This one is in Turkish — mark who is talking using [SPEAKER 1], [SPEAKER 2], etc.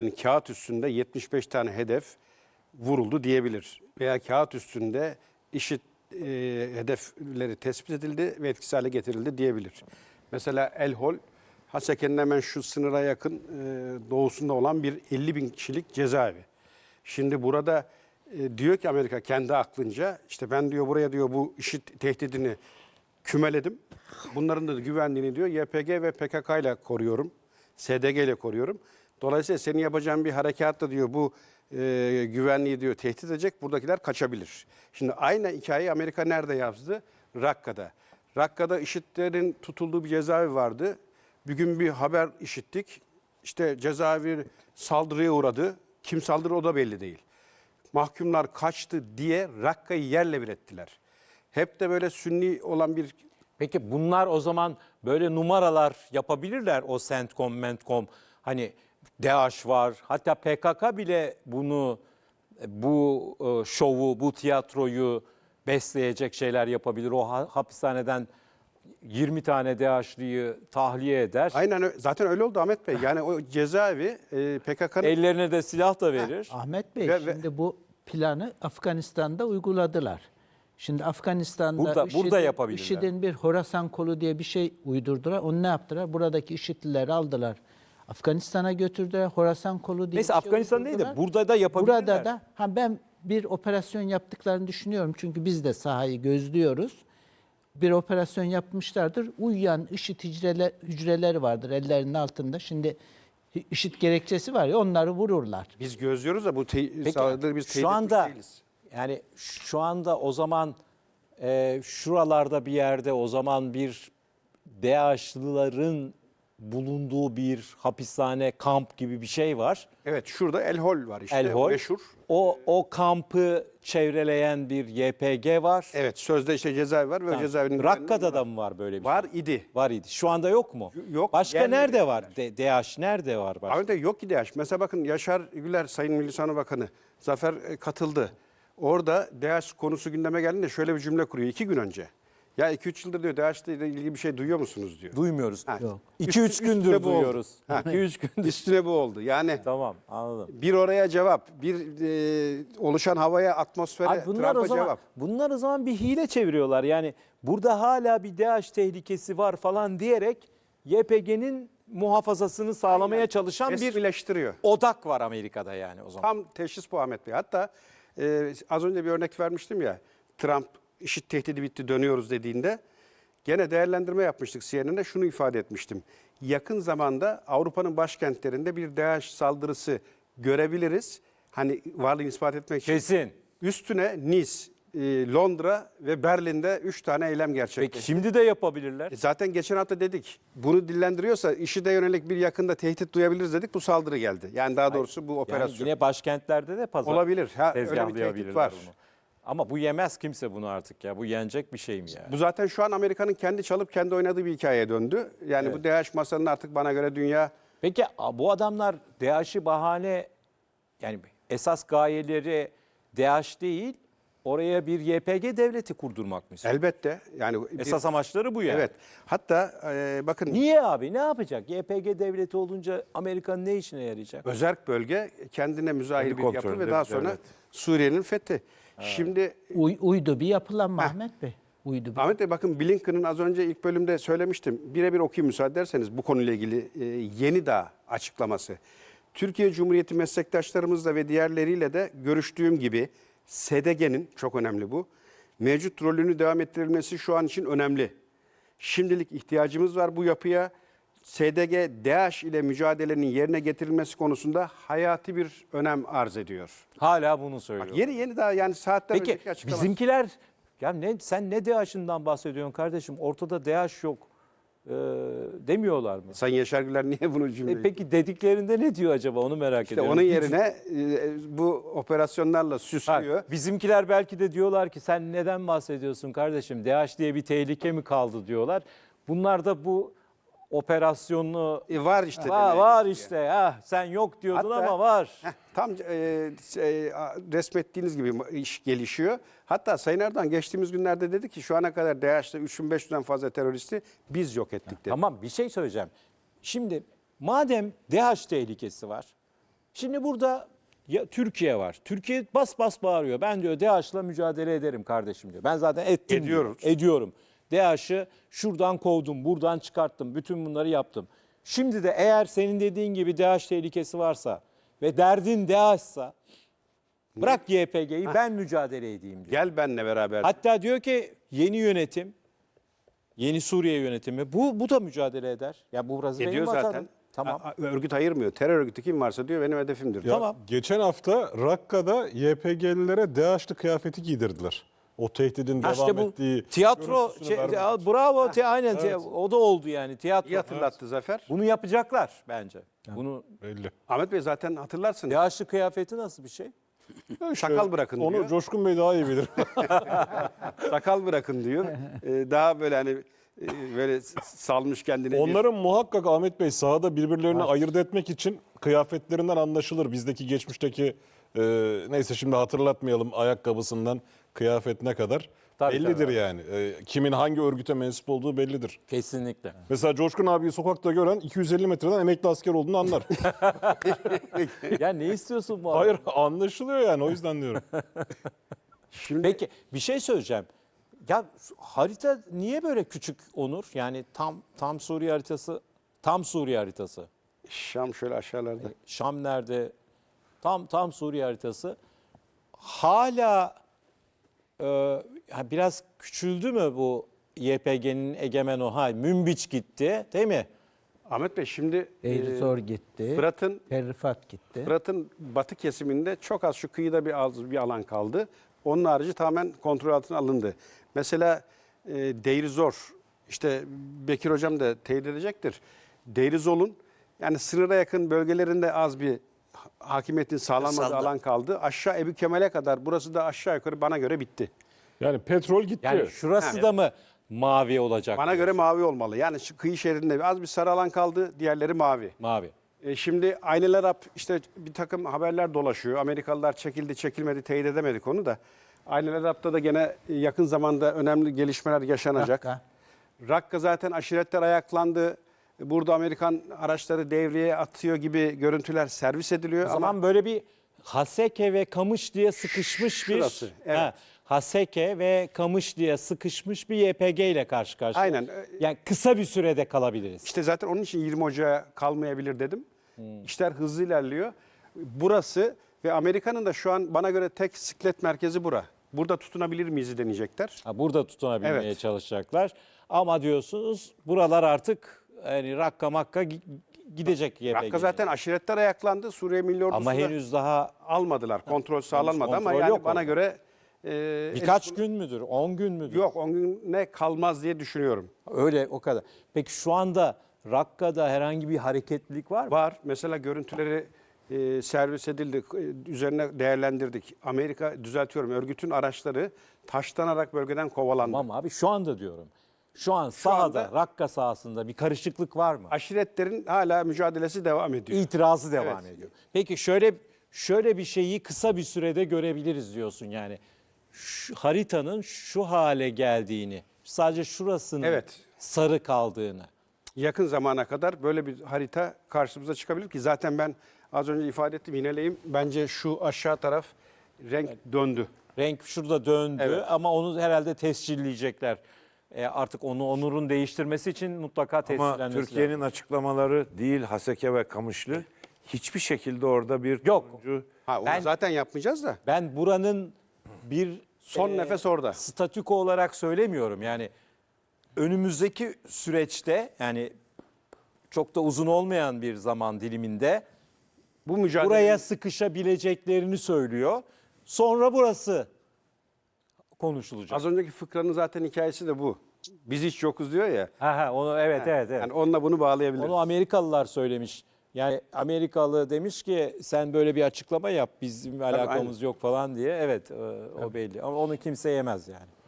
[SPEAKER 1] Yani kağıt üstünde 75 tane hedef vuruldu diyebilir. Veya kağıt üstünde IŞİD hedefleri tespit edildi ve etkisiz hale getirildi diyebilir. Mesela El Hol, Haseke'nin hemen şu sınıra yakın doğusunda olan bir 50 bin kişilik cezaevi. Şimdi burada diyor ki Amerika kendi aklınca, işte ben diyor buraya diyor bu IŞİD tehdidini kümeledim. Bunların da güvenliğini diyor YPG ve PKK ile koruyorum. SDG ile koruyorum. Dolayısıyla senin yapacağın bir harekatla diyor bu güvenliği diyor tehdit edecek. Buradakiler kaçabilir. Şimdi aynı hikayeyi Amerika nerede yazdı? Rakka'da. Rakka'da IŞİD'lerin tutulduğu bir cezaevi vardı. Bir gün bir haber işittik. İşte cezaevi saldırıya uğradı. Kim saldırı o da belli değil. Mahkumlar kaçtı diye Rakka'yı yerle bir ettiler. Hep de böyle sünni olan bir...
[SPEAKER 2] Peki bunlar o zaman böyle numaralar yapabilirler, o CENTCOM, MENTCOM. Hani DAEŞ var, hatta PKK bile bu şovu, bu tiyatroyu besleyecek şeyler yapabilir. O hapishaneden 20 tane DAEŞ'liyi tahliye eder.
[SPEAKER 1] Aynen zaten öyle oldu Ahmet Bey. Yani o cezaevi PKK'nın...
[SPEAKER 2] Ellerine de silah da verir.
[SPEAKER 3] Ahmet Bey, şimdi bu planı Afganistan'da uyguladılar. Şimdi Afganistan'da
[SPEAKER 2] Burada yapabilirler.
[SPEAKER 3] IŞİD'in bir Horasan kolu diye bir şey uydurdular. Onu ne yaptılar? Buradaki IŞİD'lileri aldılar. Afganistan'a götürdüler. Horasan kolu diye
[SPEAKER 2] Neyse,
[SPEAKER 3] bir şey
[SPEAKER 2] Afganistan değil de
[SPEAKER 3] uydurdular.
[SPEAKER 2] burada da yapabilirler.
[SPEAKER 3] Burada da ben bir operasyon yaptıklarını düşünüyorum. Çünkü biz de sahayı gözlüyoruz. Bir operasyon yapmışlardır. Uyuyan IŞİD hücreleri vardır ellerinin altında. Şimdi IŞİD gerekçesi var ya, onları vururlar.
[SPEAKER 1] Biz gözlüyoruz da bu
[SPEAKER 2] Peki,
[SPEAKER 1] saldırıları biz teyit
[SPEAKER 2] şu anda
[SPEAKER 1] etmiş değiliz.
[SPEAKER 2] yani şu anda o zaman şuralarda bir yerde o zaman bir DAEŞ'lıların bulunduğu bir hapishane, kamp gibi bir şey var.
[SPEAKER 1] Evet, şurada El Hol var işte.
[SPEAKER 2] El Hol.
[SPEAKER 1] Meşhur.
[SPEAKER 2] O kampı çevreleyen bir YPG var.
[SPEAKER 1] Evet, sözde işte cezaevi var ve o cezaevinin...
[SPEAKER 2] Rakka'da da mı var böyle bir
[SPEAKER 1] var
[SPEAKER 2] şey?
[SPEAKER 1] idi.
[SPEAKER 2] Var idi. Şu anda yok mu?
[SPEAKER 1] Yok.
[SPEAKER 2] Başka
[SPEAKER 1] Yerli
[SPEAKER 2] nerede
[SPEAKER 1] değiller.
[SPEAKER 2] var? DAEŞ nerede var başka?
[SPEAKER 1] Ahmet Bey yok ki DAEŞ. Mesela bakın Yaşar Güler, Sayın Milli Savunma Bakanı Zafer katıldı. Orada DAEŞ konusu gündeme geldiğinde şöyle bir cümle kuruyor 2 gün önce. Ya 2-3 yıldır diyor DAEŞ'le ilgili bir şey duyuyor musunuz diyor.
[SPEAKER 2] Duymuyoruz.
[SPEAKER 3] Yok.
[SPEAKER 2] 2-3 gündür
[SPEAKER 1] üstüne bu oldu.
[SPEAKER 2] duyuyoruz.
[SPEAKER 1] Ha.
[SPEAKER 2] 2-3 gündür.
[SPEAKER 1] Üstüne bu oldu. Yani
[SPEAKER 2] Tamam, anladım.
[SPEAKER 1] bir oraya cevap, bir oluşan havaya, atmosfere,
[SPEAKER 2] Abi
[SPEAKER 1] Trump'a cevap.
[SPEAKER 2] bunlar o zaman bir hile çeviriyorlar. Yani burada hala bir DAEŞ tehlikesi var falan diyerek YPG'nin muhafazasını sağlamaya çalışan bir
[SPEAKER 1] Resmileştiriyor.
[SPEAKER 2] odak var Amerika'da yani o zaman.
[SPEAKER 1] Tam teşhis bu Ahmet Bey. Hatta az önce bir örnek vermiştim ya. Trump IŞİD tehdidi bitti dönüyoruz dediğinde gene değerlendirme yapmıştık CNN'de, şunu ifade etmiştim. Yakın zamanda Avrupa'nın başkentlerinde bir DAEŞ saldırısı görebiliriz. Hani varlığını ispat etmek için.
[SPEAKER 2] Kesin.
[SPEAKER 1] Üstüne Nice, Londra ve Berlin'de 3 tane eylem gerçekleşti.
[SPEAKER 2] Peki şimdi de yapabilirler.
[SPEAKER 1] Zaten geçen hafta dedik. Bunu dillendiriyorsa IŞİD'e yönelik bir yakında tehdit duyabiliriz dedik. Bu saldırı geldi. Yani daha doğrusu bu
[SPEAKER 2] Yani
[SPEAKER 1] operasyon.
[SPEAKER 2] yine başkentlerde de
[SPEAKER 1] Olabilir. Ha, öyle bir tehdit
[SPEAKER 2] tezgahlayabilirler
[SPEAKER 1] var.
[SPEAKER 2] bunu. Ama bu yemez kimse bunu artık ya. Bu yenecek bir şey mi ya?
[SPEAKER 1] Bu zaten şu an Amerika'nın kendi çalıp kendi oynadığı bir hikayeye döndü. Yani bu DAEŞ masanın artık bana göre dünya...
[SPEAKER 2] Peki bu adamlar DAEŞ'i bahane, yani esas gayeleri DAEŞ değil, oraya bir YPG devleti kurdurmak mı istiyor?
[SPEAKER 1] Elbette. Yani
[SPEAKER 2] Esas amaçları bu yani.
[SPEAKER 1] Evet. Hatta bakın
[SPEAKER 2] Niye abi? Ne yapacak? YPG devleti olunca Amerika'nın ne işine yarayacak?
[SPEAKER 1] özerk bölge kendine müzahil
[SPEAKER 2] Kendi
[SPEAKER 1] bir yapı ve
[SPEAKER 2] kontrolünde
[SPEAKER 1] daha
[SPEAKER 2] bir
[SPEAKER 1] sonra
[SPEAKER 2] devlet.
[SPEAKER 1] Suriye'nin fethi. Şimdi
[SPEAKER 3] Uydu bir yapılanma Ahmet Bey. Uydu bir.
[SPEAKER 1] Ahmet Bey bakın Blinken'ın az önce ilk bölümde söylemiştim. Birebir okuyayım müsaade ederseniz bu konuyla ilgili yeni daha açıklaması. Türkiye Cumhuriyeti meslektaşlarımızla ve diğerleriyle de görüştüğüm gibi SDG'nin, çok önemli bu, mevcut rolünü devam ettirilmesi şu an için önemli. Şimdilik ihtiyacımız var bu yapıya. SDG, DAEŞ ile mücadelenin yerine getirilmesi konusunda hayati bir önem arz ediyor.
[SPEAKER 2] Hala bunu söylüyor.
[SPEAKER 1] Bak yeni daha yani saatler
[SPEAKER 2] Peki
[SPEAKER 1] önceki açıklaması.
[SPEAKER 2] bizimkiler, ya sen ne DAEŞ'inden bahsediyorsun kardeşim? Ortada DAEŞ yok demiyorlar mı?
[SPEAKER 1] Sayın Yaşar Güler niye bunu cümle?
[SPEAKER 2] Peki dediklerinde ne diyor acaba, onu merak
[SPEAKER 1] İşte
[SPEAKER 2] ediyorum.
[SPEAKER 1] onun yerine bu operasyonlarla süslüyor.
[SPEAKER 2] Bizimkiler belki de diyorlar ki sen neden bahsediyorsun kardeşim? DAEŞ diye bir tehlike mi kaldı diyorlar. Bunlar da bu operasyonlu
[SPEAKER 1] Var işte.
[SPEAKER 2] var işte. Sen yok diyordun
[SPEAKER 1] Hatta-
[SPEAKER 2] ama var.
[SPEAKER 1] Tam resmettiğiniz gibi iş gelişiyor. Hatta Sayın Erdoğan geçtiğimiz günlerde dedi ki şu ana kadar DAEŞ'te 3500'den fazla teröristi biz yok ettik dedi.
[SPEAKER 2] Tamam, bir şey söyleyeceğim. Şimdi madem DAEŞ tehlikesi var, Şimdi burada ya Türkiye var. Türkiye bas bas bağırıyor. Ben diyor DAEŞ'la mücadele ederim kardeşim diyor. Ben zaten ettim diyor. Ediyorum. DAEŞ'ı şuradan kovdum, buradan çıkarttım. Bütün bunları yaptım. Şimdi de eğer senin dediğin gibi DAEŞ tehlikesi varsa ve derdin DAEŞ'sa bırak YPG'yi ben mücadele edeyim diyor.
[SPEAKER 1] Gel benle beraber.
[SPEAKER 2] Hatta diyor ki yeni yönetim, yeni Suriye yönetimi bu da mücadele eder. Ya bu burası
[SPEAKER 1] Ediyor
[SPEAKER 2] benim vatanım.
[SPEAKER 1] zaten.
[SPEAKER 2] Tamam.
[SPEAKER 1] Örgüt ayırmıyor. Terör örgütü kim varsa diyor benim hedefimdir.
[SPEAKER 4] Ya,
[SPEAKER 2] Tamam.
[SPEAKER 4] geçen hafta Rakka'da YPG'lilere DAEŞ'li kıyafeti giydirdiler. O tehdidin
[SPEAKER 2] Ha
[SPEAKER 4] devam
[SPEAKER 2] işte bu
[SPEAKER 4] ettiği
[SPEAKER 2] tiyatro
[SPEAKER 4] görüntüsünü vermek için.
[SPEAKER 2] bravo aynen o da oldu yani tiyatro.
[SPEAKER 1] İyi hatırlattı Zafer.
[SPEAKER 2] Bunu yapacaklar bence. Bunu
[SPEAKER 4] Belli.
[SPEAKER 1] Ahmet Bey zaten hatırlarsın.
[SPEAKER 2] DAEŞ'li kıyafeti nasıl bir şey?
[SPEAKER 1] Sakal bırakın
[SPEAKER 4] Onu
[SPEAKER 1] diyor.
[SPEAKER 4] Coşkun Bey daha iyi bilir.
[SPEAKER 1] Sakal bırakın diyor. Daha böyle hani böyle salmış kendine.
[SPEAKER 4] Onların muhakkak Ahmet Bey sahada birbirlerini ayırt etmek için kıyafetlerinden anlaşılır. Bizdeki geçmişteki neyse şimdi hatırlatmayalım ayakkabısından kıyafetine kadar.
[SPEAKER 2] Tabii,
[SPEAKER 4] bellidir
[SPEAKER 2] tabii.
[SPEAKER 4] yani. Kimin hangi örgüte mensup olduğu bellidir.
[SPEAKER 2] Kesinlikle.
[SPEAKER 4] Mesela Coşkun abiyi sokakta gören 250 metreden emekli asker olduğunu anlar.
[SPEAKER 2] Ya ne istiyorsun bu
[SPEAKER 4] Hayır
[SPEAKER 2] arada?
[SPEAKER 4] anlaşılıyor yani o yüzden diyorum.
[SPEAKER 2] Peki bir şey söyleyeceğim. Ya harita niye böyle küçük Onur? Yani tam Suriye haritası, tam Suriye haritası.
[SPEAKER 1] Şam şöyle aşağılarda.
[SPEAKER 2] Şam nerede? Tam Suriye haritası. Hala biraz küçüldü mü bu YPG'nin egemen Münbiç gitti, değil mi?
[SPEAKER 1] Ahmet Bey şimdi
[SPEAKER 3] Deir Zor gitti.
[SPEAKER 1] Fırat'ın
[SPEAKER 3] Terrifat gitti.
[SPEAKER 1] Fırat'ın batı kesiminde çok az şu kıyıda bir alan kaldı. Onun harici tamamen kontrol altına alındı. Mesela Deir Zor, işte Bekir Hocam da teyit edecektir. Deir Zor'un yani sınıra yakın bölgelerinde az bir hakimiyetin sağlanmadığı alan kaldı. Aşağı Ebu Kemal'e kadar burası da aşağı yukarı bana göre bitti.
[SPEAKER 4] Yani petrol gitti.
[SPEAKER 2] Yani şurası da mı mavi olacak?
[SPEAKER 1] Bana göre mavi olmalı. Yani şu kıyı şeridinde az bir sarı alan kaldı, diğerleri mavi.
[SPEAKER 2] Mavi.
[SPEAKER 1] Şimdi Aynel Arap işte bir takım haberler dolaşıyor. Amerikalılar çekildi, çekilmedi, teyit edemedik onu da. Aynel Arap'ta da gene yakın zamanda önemli gelişmeler yaşanacak. Rakka zaten aşiretler ayaklandı. Burada Amerikan araçları devreye atıyor gibi görüntüler servis ediliyor.
[SPEAKER 2] O zaman böyle bir Haseke ve Kamış diye sıkışmış bir
[SPEAKER 1] Şurası, evet.
[SPEAKER 2] Haseke ve Kamış diye sıkışmış bir YPG ile karşı karşıya.
[SPEAKER 1] Aynen.
[SPEAKER 2] Yani kısa bir sürede kalabiliriz.
[SPEAKER 1] İşte zaten onun için 20 Ocağı kalmayabilir dedim. İşler hızlı ilerliyor. Burası ve Amerika'nın da şu an bana göre tek siklet merkezi bura. Burada tutunabilir miyiz deneyecekler.
[SPEAKER 2] Burada tutunabilmeye
[SPEAKER 1] Evet.
[SPEAKER 2] çalışacaklar. Ama diyorsunuz buralar artık yani Rakka Makka gidecek YPG.
[SPEAKER 1] Rakka zaten aşiretler ayaklandı. Suriye Milli Ordusu
[SPEAKER 2] Ama
[SPEAKER 1] da
[SPEAKER 2] henüz daha
[SPEAKER 1] almadılar. Kontrol sağlanmadı ama
[SPEAKER 2] kontrol
[SPEAKER 1] yani
[SPEAKER 2] yok
[SPEAKER 1] bana
[SPEAKER 2] orada.
[SPEAKER 1] göre
[SPEAKER 2] birkaç gün müdür, 10 gün müdür?
[SPEAKER 1] yok 10 güne kalmaz diye düşünüyorum.
[SPEAKER 2] Öyle o kadar. Peki şu anda Rakka'da herhangi bir hareketlilik var mı?
[SPEAKER 1] Var. Mesela görüntüleri servis edildi. Üzerine değerlendirdik. Amerika düzeltiyorum. Örgütün araçları taşlanarak bölgeden kovalandı.
[SPEAKER 2] Tamam abi şu anda diyorum. Şu an sahada,
[SPEAKER 1] anda-
[SPEAKER 2] Rakka sahasında bir karışıklık var mı?
[SPEAKER 1] Aşiretlerin hala mücadelesi devam ediyor.
[SPEAKER 2] İtirazı devam
[SPEAKER 1] Evet.
[SPEAKER 2] ediyor. Peki şöyle bir şeyi kısa bir sürede görebiliriz diyorsun yani. Şu haritanın şu hale geldiğini, sadece şurasının
[SPEAKER 1] Evet.
[SPEAKER 2] sarı kaldığını.
[SPEAKER 1] Yakın zamana kadar böyle bir harita karşımıza çıkabilir ki zaten ben az önce ifade ettim yineleyeyim. Bence şu aşağı taraf renk döndü.
[SPEAKER 2] Renk şurada döndü
[SPEAKER 1] Evet.
[SPEAKER 2] ama onu herhalde tescilleyecekler. Artık Onur'un değiştirmesi için mutlaka
[SPEAKER 5] Ama
[SPEAKER 2] tescillenmesi
[SPEAKER 5] Türkiye'nin
[SPEAKER 2] lazım.
[SPEAKER 5] açıklamaları değil Haseke ve Kamışlı hiçbir şekilde orada bir
[SPEAKER 2] Yok.
[SPEAKER 5] turuncu
[SPEAKER 1] Ha onu
[SPEAKER 2] Ben-
[SPEAKER 1] zaten yapmayacağız da.
[SPEAKER 2] Ben buranın bir
[SPEAKER 1] Son nefes orada.
[SPEAKER 2] statüko olarak söylemiyorum. Yani önümüzdeki süreçte yani çok da uzun olmayan bir zaman diliminde
[SPEAKER 1] Bu mücadele
[SPEAKER 2] buraya sıkışabileceklerini söylüyor. Sonra burası konuşulacak.
[SPEAKER 1] az önceki fıkranın zaten hikayesi de bu. Biz hiç yokuz diyor ya.
[SPEAKER 2] Onu evet.
[SPEAKER 1] Yani onunla bunu bağlayabiliriz.
[SPEAKER 2] Onu Amerikalılar söylemiş. Yani Amerikalı demiş ki sen böyle bir açıklama yap bizim alakamız yok falan diye. Evet o belli ama onu kimse yemez yani.